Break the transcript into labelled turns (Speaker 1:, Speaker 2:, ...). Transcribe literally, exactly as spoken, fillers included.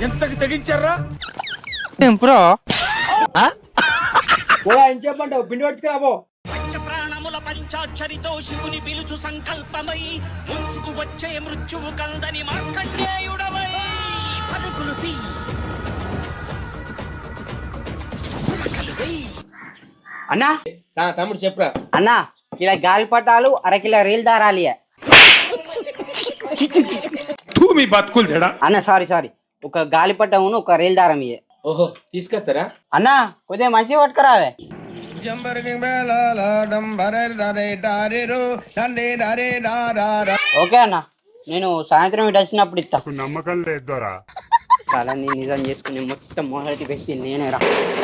Speaker 1: ఎంతకి తెగించారా
Speaker 2: బ్రో
Speaker 3: ఏం చెప్పంటావు పిండి పట్టుకురాబో
Speaker 4: ప్రాణముల పంచాక్షరితో శివుని పిలుచు సంకల్పమై ముంచుకు వచ్చే మృత్యువు కందని మార్కండేయుడవై పలుకులు తీ
Speaker 5: అన్నా
Speaker 3: తమ్ముడు చెప్పురా
Speaker 5: అన్నా కిలో గాలిపటాలు అరకిలో రీల్ దారాలి
Speaker 1: మీ బతుకులు చెడా
Speaker 5: అన్న సారీ సారీ ఒక గాలిపటమును ఒక రీల్ దారం ఇయ్యే
Speaker 3: ఓహో తీసుకొస్తారా
Speaker 5: అన్నా కొద్దిగా మంచిగా పట్టుకురావే ఓకే అన్న నేను సాయంత్రం ఇటు వచ్చినప్పుడు ఇస్తా
Speaker 1: నమ్మకం లేదు దొరా
Speaker 5: కళని నిజం చేసుకుని మొత్తం మొదటి వ్యక్తి నేనే రా